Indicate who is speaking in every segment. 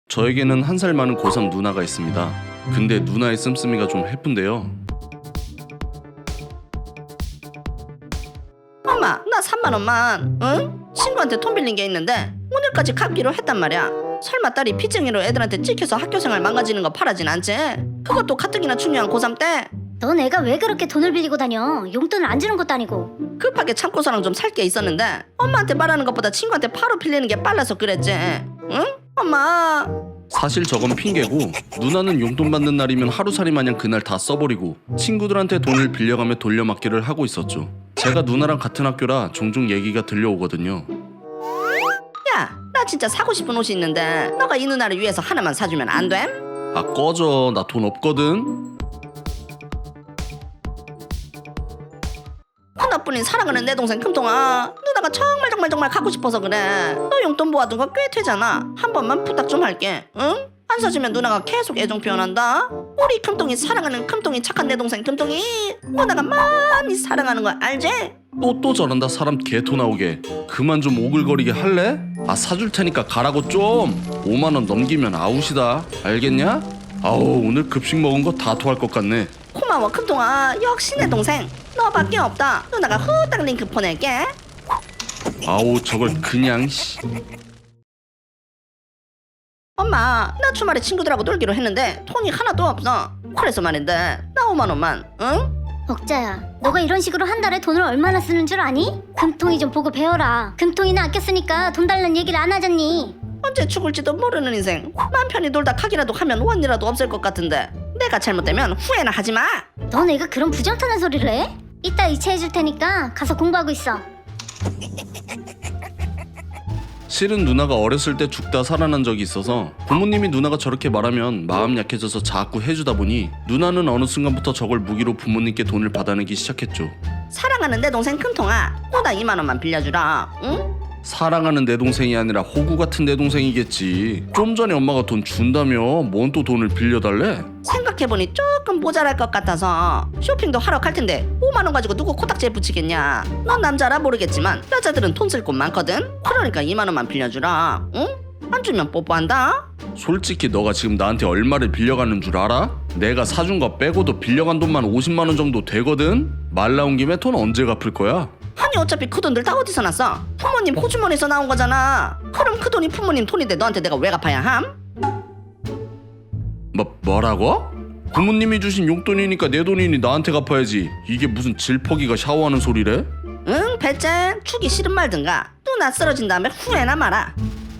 Speaker 1: 저에게는 한 살 많은 고3 누나가 있습니다. 근데 누나의 씀씀이가 좀 해픈데요.
Speaker 2: 엄마, 나 3만 원만, 응? 친구한테 돈 빌린 게 있는데 오늘까지 갚기로 했단 말이야. 설마 딸이 빚쟁이로 애들한테 찍혀서 학교생활 망가지는 거 바라진 않지? 그것도 가뜩이나 중요한 고3 때.
Speaker 3: 넌 애가 왜 그렇게 돈을 빌리고 다녀? 용돈을 안 주는 것도 아니고.
Speaker 2: 급하게 참고서랑 좀 살 게 있었는데 엄마한테 말하는 것보다 친구한테 바로 빌리는 게 빨라서 그랬지. 응? 엄마.
Speaker 1: 사실 저건 핑계고, 누나는 용돈 받는 날이면 하루살이 마냥 그날 다 써버리고 친구들한테 돈을 빌려가며 돌려막기를 하고 있었죠. 제가 누나랑 같은 학교라 종종 얘기가 들려오거든요.
Speaker 2: 야, 나 진짜 사고 싶은 옷이 있는데 너가 이 누나를 위해서 하나만 사주면 안 돼?
Speaker 1: 아 꺼져, 나 돈 없거든.
Speaker 2: 하나뿐인 사랑하는 내 동생 금통아, 누나가 정말 갖고 싶어서 그래. 너 용돈 모아둔 거 꽤 되잖아. 한 번만 부탁 좀 할게, 응? 안 사주면 누나가 계속 애정 표현한다. 우리 금통이 사랑하는 금통이 착한 내 동생 금통이 누나가 많이 사랑하는 거 알지?
Speaker 1: 또 저런다. 사람 개토 나오게. 그만 좀 오글거리게 할래? 아 사줄 테니까 가라고 좀. 5만 원 넘기면 아웃이다. 알겠냐? 아우 오늘 급식 먹은 거 다 토할 것 같네.
Speaker 2: 고마워 금통아, 역시 내 동생. 너밖에 없다. 누나가 후딱 링크 보낼게.
Speaker 1: 아우 저걸 그냥
Speaker 2: 엄마, 나 주말에 친구들하고 놀기로 했는데 돈이 하나도 없어. 그래서 말인데 나 5만 원만, 응?
Speaker 3: 억자야, 너가 이런 식으로 한 달에 돈을 얼마나 쓰는 줄 아니? 금통이 좀 보고 배워라. 금통이나 아껴 쓰니까 돈 달라는 얘기를 안 하잖니.
Speaker 2: 언제 죽을지도 모르는 인생. 맘 편히 놀다 가기라도 하면 원이라도 없을 것 같은데 내가 잘못되면 후회나 하지 마.
Speaker 3: 넌 애가 그런 부정타는 소리를 해? 이따 이체해줄 테니까 가서 공부하고 있어.
Speaker 1: 실은 누나가 어렸을 때 죽다 살아난 적이 있어서 부모님이 누나가 저렇게 말하면 마음 약해져서 자꾸 해주다 보니 누나는 어느 순간부터 저걸 무기로 부모님께 돈을 받아내기 시작했죠.
Speaker 2: 사랑하는 내 동생 금통아, 누나 2만 원만 빌려주라, 응?
Speaker 1: 사랑하는 내 동생이 아니라 호구 같은 내 동생이겠지. 좀 전에 엄마가 돈 준다며 뭔 또 돈을 빌려달래?
Speaker 2: 생각해보니 조금 모자랄 것 같아서 쇼핑도 하러 갈 텐데 5만 원 가지고 누구 코딱지에 붙이겠냐. 넌 남자라 모르겠지만 여자들은 돈 쓸 곳 많거든. 그러니까 2만 원만 빌려주라, 응? 안 주면 뽀뽀한다.
Speaker 1: 솔직히 너가 지금 나한테 얼마를 빌려가는 줄 알아? 내가 사준 거 빼고도 빌려간 돈만 50만 원 정도 되거든? 말 나온 김에 돈 언제 갚을 거야?
Speaker 2: 아니 어차피 그 돈들 다 어디서 났어? 부모님 호주머니에서 나온 거잖아. 그럼 그 돈이 부모님 돈인데 너한테 내가 왜 갚아야 함?
Speaker 1: 뭐라고? 부모님이 주신 용돈이니까 내 돈이니 나한테 갚아야지. 이게 무슨 질퍽이가 샤워하는 소리래?
Speaker 2: 응, 배짱. 주기 싫은 말든가 누나 쓰러진 다음에 후회나 마라.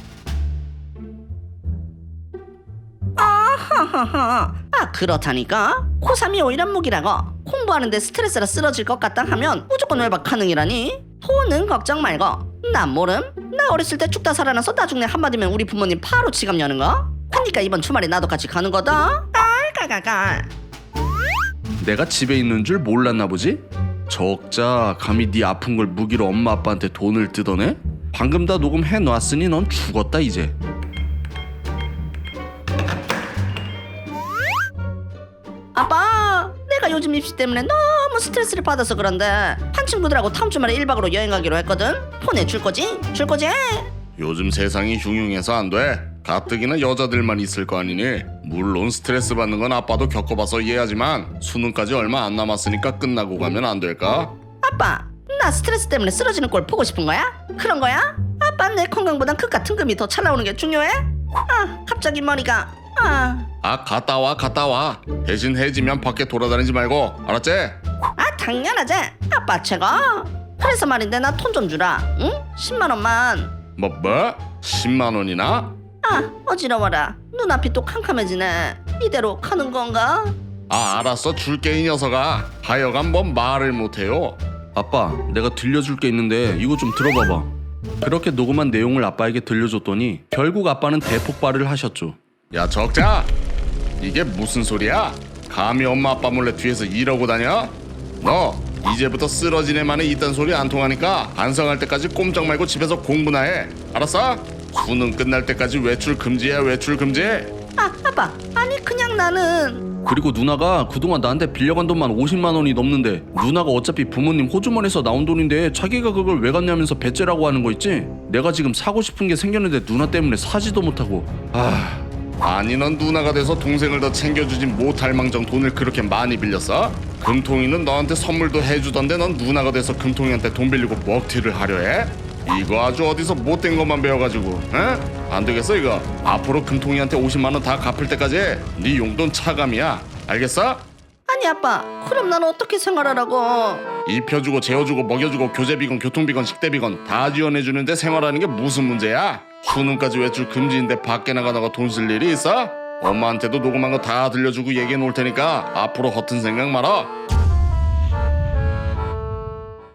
Speaker 2: 아하하하. 아 그렇다니까. 고3이 오히려 무기라고. 공부하는데 스트레스라 쓰러질 것 같다 하면 무조건 외박 가능이라니. 돈은 걱정 말고. 난 모름. 나 어렸을 때 죽다 살아나서 나중에 한마디면 우리 부모님 바로 지갑 여는 거. 그니까 이번 주말에 나도 같이 가는 거다. 깔깔깔깔.
Speaker 1: 내가 집에 있는 줄 몰랐나 보지? 적자 감히 네 아픈 걸 무기로 엄마 아빠한테 돈을 뜯어내? 방금 다 녹음해놨으니 넌 죽었다 이제.
Speaker 2: 아빠, 내가 요즘 입시 때문에 너무 스트레스를 받아서 그런데 한 친구들하고 다음 주말에 1박으로 여행 가기로 했거든. 보내줄 거지? 줄 거지?
Speaker 1: 요즘 세상이 흉흉해서 안 돼. 가뜩이나 여자들만 있을 거 아니니. 물론 스트레스 받는 건 아빠도 겪어봐서 이해하지만 수능까지 얼마 안 남았으니까 끝나고 가면 안 될까?
Speaker 2: 아빠, 나 스트레스 때문에 쓰러지는 꼴 보고 싶은 거야? 그런 거야? 아빠 내 건강보단 그깟 등금이 더 잘 나오는 게 중요해? 아, 갑자기 머리가.
Speaker 1: 갔다 와. 대신 해지면 밖에 돌아다니지 말고 알았지?
Speaker 2: 아, 당연하지. 아빠 최고. 그래서 말인데 나 돈 좀 주라, 응? 10만 원만.
Speaker 1: 뭐? 10만 원이나?
Speaker 2: 아, 어지러워라. 눈앞이 또 캄캄해지네. 이대로 가는 건가?
Speaker 1: 알았어 줄게 이 녀석아. 하여간 뭔 말을 못해요. 아빠 내가 들려줄 게 있는데 이거 좀 들어봐봐. 그렇게 녹음한 내용을 아빠에게 들려줬더니 결국 아빠는 대폭발을 하셨죠. 야 적자, 이게 무슨 소리야? 감히 엄마 아빠 몰래 뒤에서 이러고 다녀? 너 이제부터 쓰러진 애만에 이딴 소리 안 통하니까 반성할 때까지 꼼짝 말고 집에서 공부나 해. 알았어? 수능 끝날 때까지 외출 금지야. 외출 금지.
Speaker 2: 아, 아빠. 아니 그냥 나는.
Speaker 1: 그리고 누나가 그동안 나한테 빌려간 돈만 50만 원이 넘는데 누나가 어차피 부모님 호주머니에서 나온 돈인데 자기가 그걸 왜 갔냐면서 배째라고 하는 거 있지? 내가 지금 사고 싶은 게 생겼는데 누나 때문에 사지도 못하고. 아니 넌 누나가 돼서 동생을 더 챙겨주지 못할 망정 돈을 그렇게 많이 빌렸어? 금통이는 너한테 선물도 해주던데 넌 누나가 돼서 금통이한테 돈 빌리고 먹튀를 하려 해? 이거 아주 어디서 못된 것만 배워가지고 응? 안 되겠어 이거. 앞으로 금통이한테 50만 원 다 갚을 때까지 네 용돈 차감이야. 알겠어?
Speaker 2: 아니 아빠, 그럼 난 어떻게 생활하라고?
Speaker 1: 입혀주고 재워주고 먹여주고 교재비건 교통비건 식대비건 다 지원해주는데 생활하는 게 무슨 문제야? 수능까지 외출 금지인데 밖에 나가다가 돈 쓸 일이 있어? 엄마한테도 녹음한 거 다 들려주고 얘기해 놓을 테니까 앞으로 허튼 생각 말아.